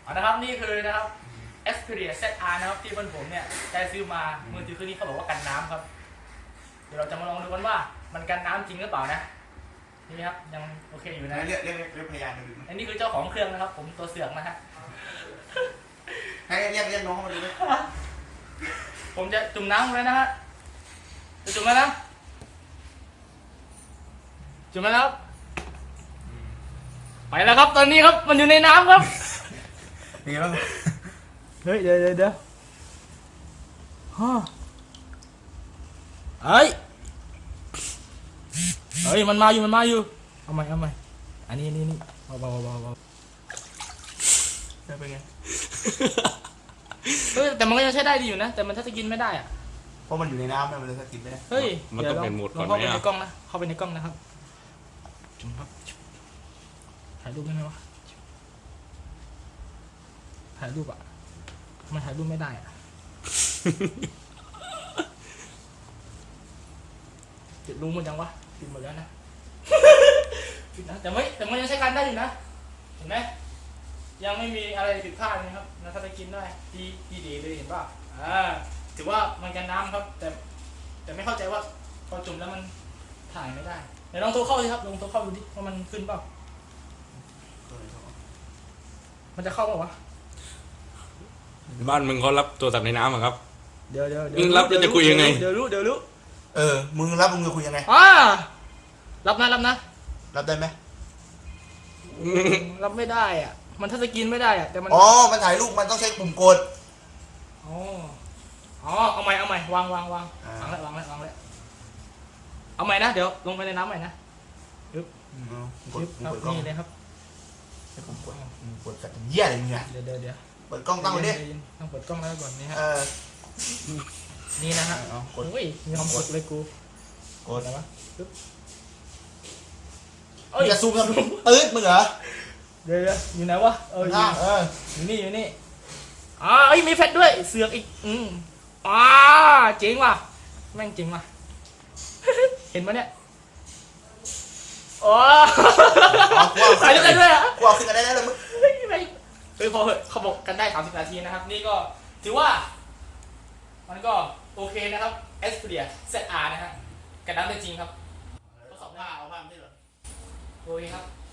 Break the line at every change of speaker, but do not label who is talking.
นะครับนี่คือนะครับ Xperia ZR นะครับที่เพื่อนผมเนี่ยได้ซื้อมามือถือเครื่องนี้เขาบอกว่ากันน้ำครับเดี๋ยวเราจะมาลองดูกันว่ามันกันน้ำจริงหรือเปล่านะนี่ครับยังโอเคอยู่นะ
เรียกพยานมาดูไหม
อันนี้คือเจ้าของเครื่องนะครับผมตัวเสือกนะฮะ
ให้เรียกน้องมาดูไหม
ผมจะจุ่มน้ำเลยนะฮะจะจุ่มแล้วนะจุ่มแล้วครับไปแล้วครับตอนนี้ครับมันอยู่ในน้ำครับ
มีบ้าง
เฮ้ยเดี๋ยวฮ่าเฮ้ยมันมาอยู่เอาใหม่อันนี้เบาเป็นไงแต่มันก็ยังใช้ได้ดีอยู่นะแต่มันถ้าจะกินไม่ได้อ่ะ
เพราะมันอยู่ในน้ำมันเลยสกินไม่ได้
เฮ้ย
มันต้องเป็นโหมดก่อนไหม
เข้าไปใน
อ่ะ
กล้องนะเข้าไปในกล้องนะครับจุ่มครับถ่ายรูปได้ไหมวะถ่ายรูปอ่ะมันถ่ายรูปไม่ได้อ่ะปิดรูหมดยังวะปิดหมดแล้วนะปิดนะแต่มันยังใช้การได้อยู่นะเห็นไหมยังไม่มีอะไรผิดพลาดนะครับนะถ้าจะกินได้ดีเลยเห็นป่ะถือว่ามันกันน้ำครับแต่ไม่เข้าใจว่าพอจุ่มแล้วมันถ่ายไม่ได้เดี๋ยวลองโทรเข้าสิครับลองโทรเข้าดูดิว่ามันขึ้นเปล่ามันจะเข้าเปล่าวะ
บ้านมึงเขารับโทรศัพท์ในน้ำเหรอครับ
เดี๋ยว
มึงรับแล้วจะคุยยังไง
เดี๋ยวรู้
มึงรับมึงจะคุยยังไง
รับนะ
รับได้ไหม
รับไม่ได้อ่ะมันถ้าจะกินไม่ได้อ่ะแต่มัน
มันถ่ายรูปมันต้องใช้ปุ่มกด
เอาใหม่วางแล้วเอาใหม่นะเดี๋ยวลงไปในน้ำใหม่นะ
กด
ครับ
เปิดกล้อง
นี่เลยครับ
ให้ผมกดสัตว์เหี้ยอะไรมึงเนี่ย
เดี๋ยว
เปิดกล้องตั้งไว้ดิ
ต้องเปิดกล้องแล้วก่อนนี่ฮะ
เออ
นี่นะฮะ
เอากด
โอ้ยมีความสุขเลยกู
กด
อะไรวะ
จะซูมกันตืดมึงเหรอ
เดี๋ยวอยู่ไหนวะอยู่
ข้างเออ
นี่มีแฟลชด้วยเสือกอีกเจ๋งว่ะแม่งเจ๋งว่ะ เห็นปะเนี่ยใส่ด้วยอ่ะ
กลัวขึ้นกันได้แล้วมึง
พอเหอะเขาบอกกันได้30 นาทีนะครับนี่ก็ถือว่ามันก็โอเคนะครับ Xperia ZR นะฮะกันน้ำได้จริงครับทดสอบได้
เอาผ้าไม่ใช่เหรอ
โอเคครับ